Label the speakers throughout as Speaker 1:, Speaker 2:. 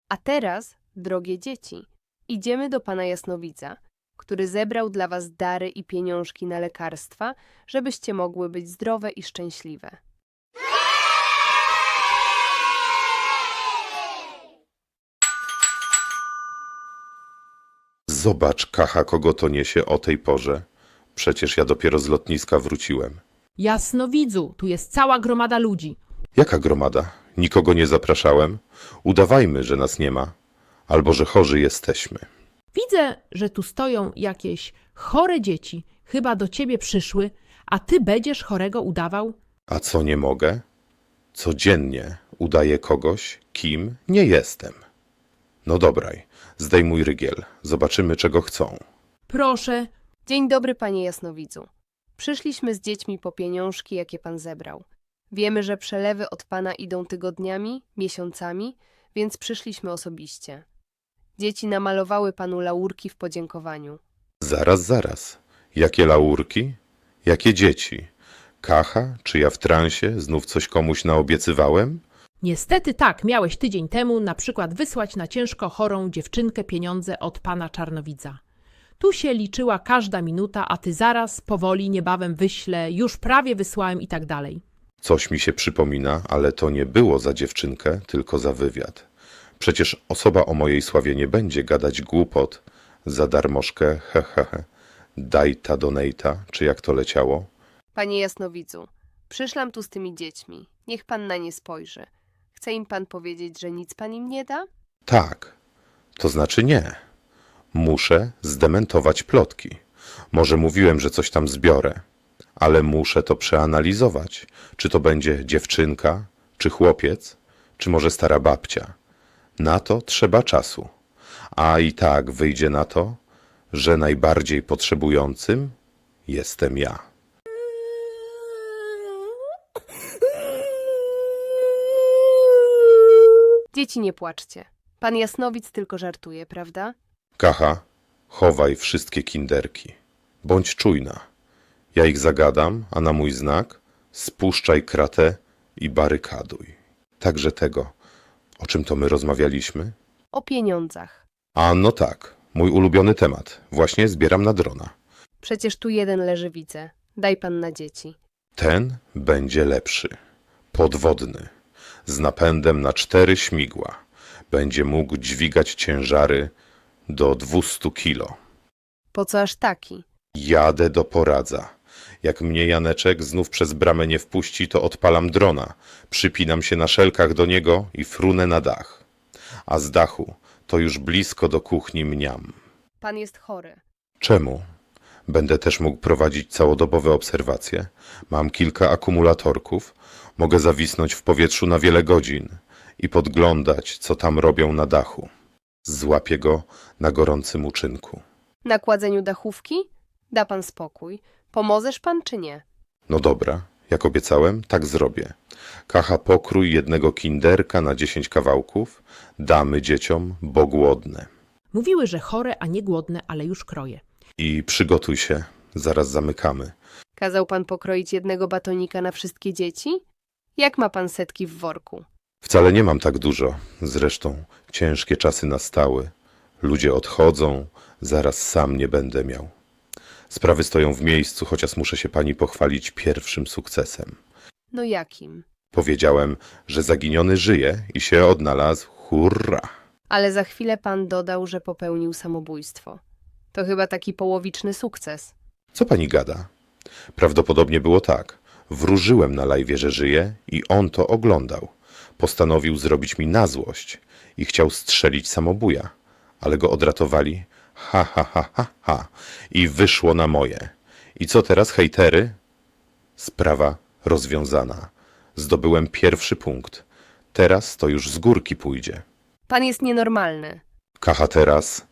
Speaker 1: A teraz, drogie dzieci, idziemy do pana Jasnowidza, który zebrał dla was dary i pieniążki na lekarstwa, żebyście mogły być zdrowe i szczęśliwe.
Speaker 2: Zobacz, Kacha, kogo to niesie o tej porze. Przecież ja dopiero z lotniska wróciłem.
Speaker 3: Jasnowidzu, tu jest cała gromada ludzi.
Speaker 2: Jaka gromada? Nikogo nie zapraszałem. Udawajmy, że nas nie ma. Albo że chorzy jesteśmy.
Speaker 3: Widzę, że tu stoją jakieś chore dzieci. Chyba do ciebie przyszły, a ty będziesz chorego udawał?
Speaker 2: A co nie mogę? Codziennie udaję kogoś, kim nie jestem. No dobraj, zdejmuj rygiel. Zobaczymy, czego chcą.
Speaker 3: Proszę,
Speaker 1: Dzień dobry, panie Jasnowidzu. Przyszliśmy z dziećmi po pieniążki, jakie pan zebrał. Wiemy, że przelewy od pana idą tygodniami, miesiącami, więc przyszliśmy osobiście. Dzieci namalowały panu laurki w podziękowaniu.
Speaker 2: Zaraz. Jakie laurki? Jakie dzieci? Kacha? Czy ja w transie? Znów coś komuś naobiecywałem?
Speaker 3: niestety tak, miałeś tydzień temu na przykład wysłać na ciężko chorą dziewczynkę pieniądze od pana Czarnowidza. Tu się liczyła każda minuta, a ty zaraz, powoli, niebawem wyślę, już prawie wysłałem i tak dalej.
Speaker 2: Coś mi się przypomina, ale to nie było za dziewczynkę, tylko za wywiad. Przecież osoba o mojej sławie nie będzie gadać głupot za darmożkę, daj ta donata, czy jak to leciało.
Speaker 1: Panie Jasnowidzu, przyszłam tu z tymi dziećmi. Niech pan na nie spojrzy. Chce im pan powiedzieć, że nic pan im nie da?
Speaker 2: Tak, to znaczy nie. Muszę zdementować plotki. Może mówiłem, że coś tam zbiorę, ale muszę to przeanalizować. Czy to będzie dziewczynka, czy chłopiec, czy może stara babcia. Na to trzeba czasu. A i tak wyjdzie na to, że najbardziej potrzebującym jestem ja.
Speaker 1: Dzieci, nie płaczcie. Pan Jasnowidz tylko żartuje, prawda?
Speaker 2: Kacha, chowaj wszystkie kinderki. Bądź czujna. Ja ich zagadam, a na mój znak spuszczaj kratę i barykaduj. Także tego, o czym to my rozmawialiśmy?
Speaker 1: O pieniądzach.
Speaker 2: A no tak, mój ulubiony temat. Właśnie zbieram na drona.
Speaker 1: Przecież tu jeden leży, widzę. Daj pan na dzieci.
Speaker 2: Ten będzie lepszy. Podwodny. Z napędem na 4 śmigła. Będzie mógł dźwigać ciężary do 200 kilo.
Speaker 1: Po co aż taki?
Speaker 2: Jadę do Poradza. Jak mnie Janeczek znów przez bramę nie wpuści, to odpalam drona. Przypinam się na szelkach do niego i frunę na dach. A z dachu to już blisko do kuchni mniam.
Speaker 1: Pan jest chory.
Speaker 2: Czemu? Będę też mógł prowadzić całodobowe obserwacje. Mam kilka akumulatorków. Mogę zawisnąć w powietrzu na wiele godzin i podglądać, co tam robią na dachu. Złapię go na gorącym uczynku.
Speaker 1: Na kładzeniu dachówki? Da pan spokój. Pomożesz pan czy nie?
Speaker 2: No dobra, jak obiecałem, tak zrobię. Kacha, pokrój jednego kinderka na 10 kawałków. Damy dzieciom, bo głodne.
Speaker 3: Mówiły, że chore, a nie głodne, ale już kroję.
Speaker 2: I przygotuj się, zaraz zamykamy.
Speaker 1: Kazał pan pokroić jednego batonika na wszystkie dzieci? Jak ma pan setki w worku?
Speaker 2: Wcale nie mam tak dużo. Zresztą ciężkie czasy nastały. Ludzie odchodzą, zaraz sam nie będę miał. Sprawy stoją w miejscu, chociaż muszę się pani pochwalić pierwszym sukcesem.
Speaker 1: No jakim?
Speaker 2: Powiedziałem, że zaginiony żyje i się odnalazł. Hurra!
Speaker 1: Ale za chwilę pan dodał, że popełnił samobójstwo. To chyba taki połowiczny sukces.
Speaker 2: Co pani gada? Prawdopodobnie było tak. Wróżyłem na live'ie, że żyje i on to oglądał. Postanowił zrobić mi na złość i chciał strzelić samobuja, ale go odratowali. Ha. I wyszło na moje. I co teraz, hejtery? Sprawa rozwiązana. Zdobyłem pierwszy punkt. Teraz to już z górki pójdzie.
Speaker 1: Pan jest nienormalny.
Speaker 2: Kacha teraz.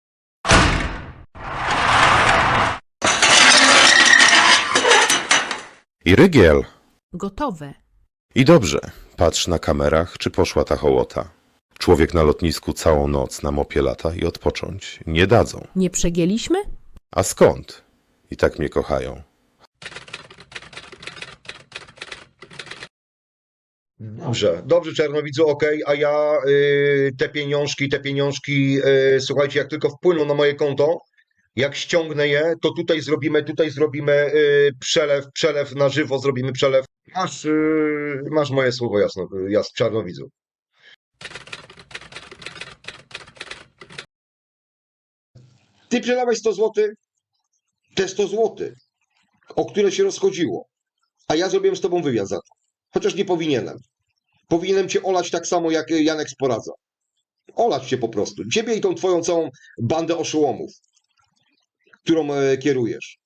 Speaker 2: I rygiel.
Speaker 3: Gotowe.
Speaker 2: I dobrze. Patrz na kamerach, czy poszła ta hołota. Człowiek na lotnisku całą noc na mopie lata i odpocząć nie dadzą.
Speaker 3: Nie przegięliśmy?
Speaker 2: A skąd? I tak mnie kochają.
Speaker 4: Dobrze, dobrze Czarnowidzu, okej, a ja te pieniążki, słuchajcie, jak tylko wpłyną na moje konto, jak ściągnę je, to tutaj zrobimy przelew na żywo, zrobimy przelew. Masz moje słowo Czarnowidzu. Ty przelewaj 100 zł, te 100 zł, o które się rozchodziło, a ja zrobiłem z tobą wywiad za to. Chociaż nie powinienem. Powinienem cię olać tak samo jak Janek Sporadza. Olać cię po prostu. Ciebie i tą twoją całą bandę oszołomów, którą kierujesz.